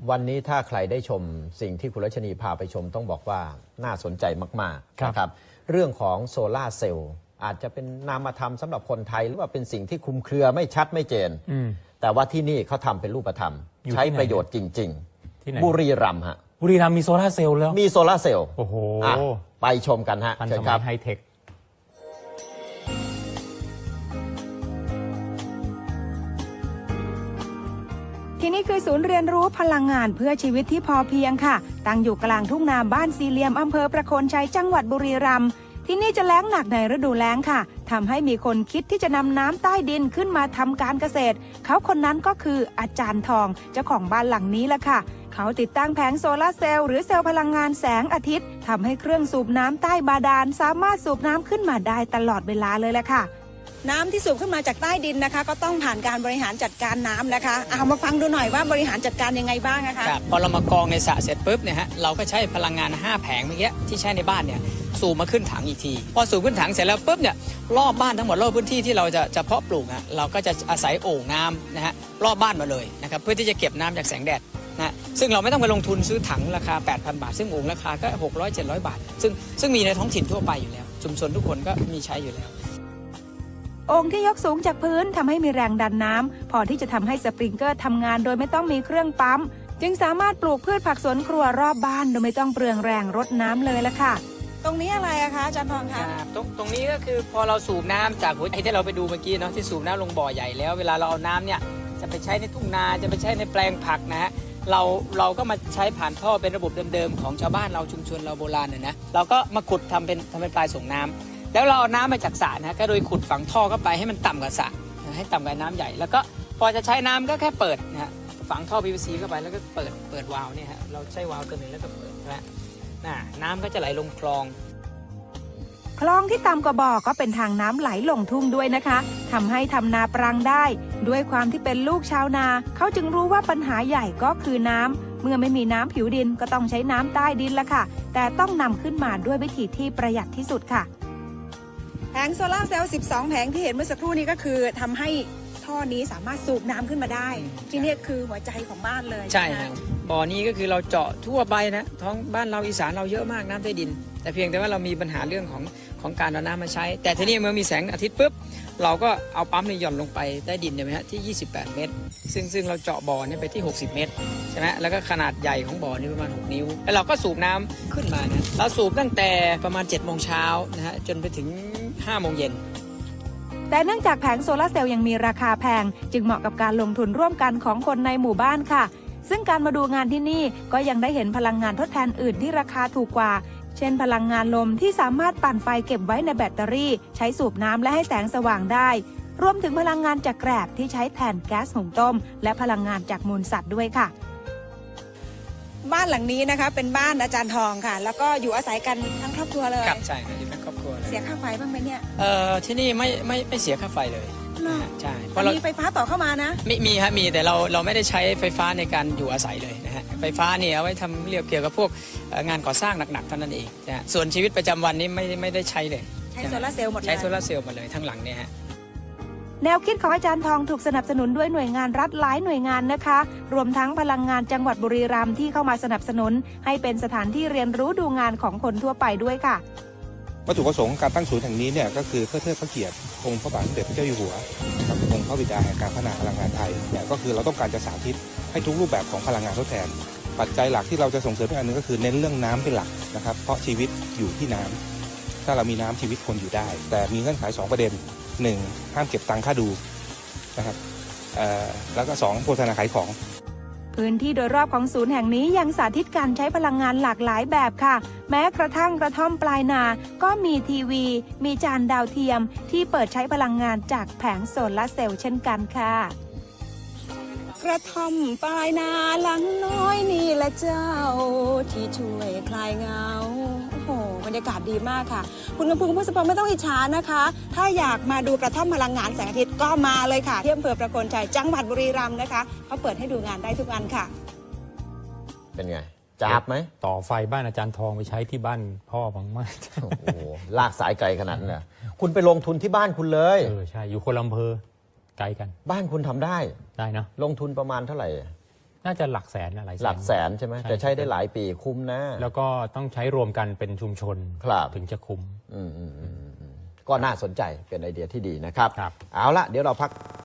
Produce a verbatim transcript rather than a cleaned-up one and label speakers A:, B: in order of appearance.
A: วันนี้ถ้าใครได้ชมสิ่งที่คุณรัชนีพาไปชมต้องบอกว่าน่าสนใจมากๆนะครับเรื่องของโซล่าเซลล์อาจจะเป็นนามธรรมสำหรับคนไทยหรือว่าเป็นสิ่งที่คลุมเครือไม่ชัดไม่เจนแต่ว่าที่นี่เขาทำเป็นรูปธรรมใช้ประโยชน์จริงๆบุรีรัมย์ฮะ
B: บุรีรัมย์มีโซล่าเซลล์แล้ว
A: มีโซล่าเซลล์
B: โอ้โห
A: ไปชมกันฮะ
B: ทันสมัยไฮเทค
C: ที่นี่คือศูนย์เรียนรู้พลังงานเพื่อชีวิตที่พอเพียงค่ะตั้งอยู่กลางทุ่งนาบ้านสี่เหลี่ยมอำเภอประโคนชัยจังหวัดบุรีรัมย์ที่นี่จะแล้งหนักในฤดูแล้งค่ะทำให้มีคนคิดที่จะนำน้ำใต้ดินขึ้นมาทำการเกษตรเขาคนนั้นก็คืออาจารย์ทองเจ้าของบ้านหลังนี้แหละค่ะเขาติดตั้งแผงโซลาร์เซลล์หรือเซลล์พลังงานแสงอาทิตย์ทำให้เครื่องสูบน้ำใต้บาดาลสามารถสูบน้ำขึ้นมาได้ตลอดเวลาเลยแหละค่ะน้ำที่สูบขึ้นมาจากใต้ดินนะคะก็ต้องผ่านการบริหารจัดการน้ำนะคะเอามาฟังดูหน่อยว่าบริหารจัดการยังไงบ้างนะคะ
D: ครับพอเรามากองในสระเสร็จปุ๊บเนี่ยฮะเราก็ใช้พลังงานห้าแผงเมื่อกี้ที่ใช้ในบ้านเนี่ยสูบมาขึ้นถังอีกทีพอสูบขึ้นถังเสร็จแล้วปุ๊บเนี่ยรอบบ้านทั้งหมดรอบพื้นที่ที่เราจะจะเพาะปลูกอ่ะเราก็จะอาศัยโอ่งน้ำนะฮะรอบบ้านมาเลยนะครับเพื่อที่จะเก็บน้ำจากแสงแดดนะซึ่งเราไม่ต้องไปลงทุนซื้อถังราคา แปดพัน บาทซึ่งโอ่งราคาก็หกร้อย เจ็ดร้อย บาทซึ่งซึ่งมีในท้องถิ่นทั่วไปอยู่แล้วชุมชนทุกคนก็มีใช้อยู่แล้ว
C: โอ่งที่ยกสูงจากพื้นทำให้มีแรงดันน้ำพอที่จะทำให้สปริงเกอร์ทำงานโดยไม่ต้องมีเครื่องปั๊มจึงสามารถปลูกพืชผักสวนครัวรอบบ้านโดยไม่ต้องเปลืองแรงรดน้ำเลยละค่ะตรงนี้อะไรอะคะอาจารย์ทองคะ
D: ตรงตรงนี้ก็คือพอเราสูบน้ำจากหัวใจที่เราไปดูเมื่อกี้เนาะที่สูบน้ำลงบ่อใหญ่แล้วเวลาเราเอาน้ำเนี่ยจะไปใช้ในทุ่งนาจะไปใช้ในแปลงผักนะฮะเราเราก็มาใช้ผ่านท่อเป็นระบบเดิมๆของชาวบ้านเราชุมชนเราโบราณเนี่ยนะเราก็มาขุดทำเป็นทำเป็นปลายส่งน้ำแล้วเราเอาน้ำมาจากสระนะก็โดยขุดฝังท่อเข้าไปให้มันต่ำกว่าสระให้ต่ำกว่าน้ำใหญ่แล้วก็พอจะใช้น้ำก็แค่เปิดนะฮะฝังท่อ พี วี ซี เข้าไปแล้วก็เปิดเปิดวาล์วเนี่ยฮะเราใช้วาล์วตัวหนึ่งแล้วก็เปิดใช่ไหมน่ะน้ำก็จะไหลลงคลอง
C: คลองที่ต่ำกว่าบ่อก็เป็นทางน้ำไหลลงทุ่งด้วยนะคะทำให้ทำนาปรังได้ด้วยความที่เป็นลูกชาวนาเขาจึงรู้ว่าปัญหาใหญ่ก็คือน้ำเมื่อไม่มีน้ำผิวดินก็ต้องใช้น้ำใต้ดินละค่ะแต่ต้องนำขึ้นมาด้วยวิธีที่ประหยัดที่สุดค่ะแผงโซลาร์เซลล์สิบสองแผงที่เห็นเมื่อสักครู่นี้ก็คือทำให้ท่อนี้สามารถสูบน้ำขึ้นมาได้ที่นี่คือหัวใจของบ้านเลย
D: ใช่ครับบ่อนี้ก็คือเราเจาะทั่วไปนะท้องบ้านเราอีสานเราเยอะมากน้ำใต้ดินแต่เพียงแต่ว่าเรามีปัญหาเรื่องของของการเอาน้ำมาใช้แต่ทีนี้เมื่อมีแสงอาทิตย์ปุ๊บเราก็เอาปั๊มในหย่อนลงไปใต้ดินเนี่ยไหมฮะที่ยี่สิบแปดเมตรซึ่งซึ่งเราเจาะบ่อนี่ไปที่หกสิบเมตรใช่ไหมแล้วก็ขนาดใหญ่ของบ่อนี่ประมาณหกนิ้วแล้วเราก็สูบน้ำขึ้นมานะเราสูบตั้งแต่ประมาณเจ็ดโมงเช้านะฮะจนไปถึงห้าโมงเย็น
C: แต่เนื่องจากแผงโซลาร์เซลล์ยังมีราคาแพงจึงเหมาะกับการลงทุนร่วมกันของคนในหมู่บ้านค่ะซึ่งการมาดูงานที่นี่ก็ยังได้เห็นพลังงานทดแทนอื่นที่ราคาถูกกว่าเช่นพลังงานลมที่สามารถปั่นไฟเก็บไว้ในแบตเตอรี่ใช้สูบน้ำและให้แสงสว่างได้รวมถึงพลังงานจากแกลบที่ใช้แทนแก๊สหุงต้มและพลังงานจากมูลสัตว์ด้วยค่ะบ้านหลังนี้นะคะเป็นบ้านอาจารย์ทองค่ะแล้วก็อยู่อาศัยกันทั้งครอบครัวเลย
D: ครับใช่อยู่ทั้งครอบครัวเลย
C: เสียค่าไฟบ้างไหมเนี่ย
D: เอ่อที่นี่ไม่ไม่ไม่เสียค่าไฟเลยใช่
C: เพราะเรามีไฟฟ้าต่อเข้ามานะ
D: มีมีครับมีแต่เราเราไม่ได้ใช้ไฟฟ้าในการอยู่อาศัยเลยนะฮะไฟฟ้าเนี่ยเอาไว้ทำเรื่องเกี่ยวกับพวกงานก่อสร้างหนักๆเท่านั้นเองนะส่วนชีวิตประจำวันนี้ไม่ไม่ได้ใช้เลย
C: ใช้โซลาร์เซลล์หมดเลย
D: ใช้โซลาร์เซลล์หมดเลยทั้งหลังเนี่ยฮะ
C: แนวคิดของอาจารย์ทองถูกสนับสนุนด้วยหน่วยงานรัฐหลายหน่วยงานนะคะรวมทั้งพลังงานจังหวัดบุรีรัมย์ที่เข้ามาสนับสนุนให้เป็นสถานที่เรียนรู้ดูงานของคนทั่วไปด้วยค่ะ
E: วัตถุประสงค์การตั้งศูนย์แห่งนี้เนี่ยก็คือเพื่อเทิดพระเกียรติองค์พระบาทสมเด็จพระเจ้าอยู่หัวกับองค์พระบิดาแห่งการพัฒนาพลังงานไทยเนี่ยก็คือเราต้องการจะสาธิตให้ทุกรูปแบบของพลังงานทดแทนปัจจัยหลักที่เราจะส่งเสริมอีกอันนึงก็คือเน้นเรื่องน้ำเป็นหลักนะครับเพราะชีวิตอยู่ที่น้ำถ้าเรามีน้ำชีวิตคนอยู่ได้แต่มีเงื่อนไขสองประเด็นหนึ่งห้ามเก็บตังค่าดูนะครับแล้วก็สองโฆษณาขายของ
C: พื้นที่โดยรอบของศูนย์แห่งนี้ยังสาธิตการใช้พลังงานหลากหลายแบบค่ะแม้กระทั่งกระท่อมปลายนาก็มีทีวีมีจานดาวเทียมที่เปิดใช้พลังงานจากแผงโซลาร์เซลล์เช่นกันค่ะกระท่อมปลายนาหลังน้อยนี่แหละเจ้าที่ช่วยคลายเหงาโอ้โหบรรยากาศดีมากค่ะคุณกำพูคุณผู้ชมไม่ต้องอิจฉานะคะถ้าอยากมาดูกระท่อมพลังงานแสงอาทิตย์ก็มาเลยค่ะที่อำเภอประโคนชัยจังหวัดบุรีรัมย์นะคะเขาเปิดให้ดูงานได้ทุกวันค่ะ
A: เป็นไงจับไหม
B: ต่อไฟบ้านอาจารย์ทองไปใช้ที่บ้านพ่อบางมาก
A: โอ้โหลากสายไกลขนาดนั้นเลยคุณไปลงทุนที่บ้านคุณเลย
B: เออใช่อยู่คนละอำเภอไกลกัน
A: บ้านคุณทำได้
B: ได้นะ
A: ลงทุนประมาณเท่าไหร่
B: นน่าจะหลักแสนอะไร
A: หลักแสนใช่ไหมจะใช้ได้หลายปีคุ้มนะ
B: แล้วก็ต้องใช้รวมกันเป็นชุมชน
A: ครับ
B: ถึงจะคุ้ม
A: อืมอืมอืมอืมก็น่าสนใจเป็นไอเดียที่ดีนะครับ
B: ครับ
A: เอาละเดี๋ยวเราพัก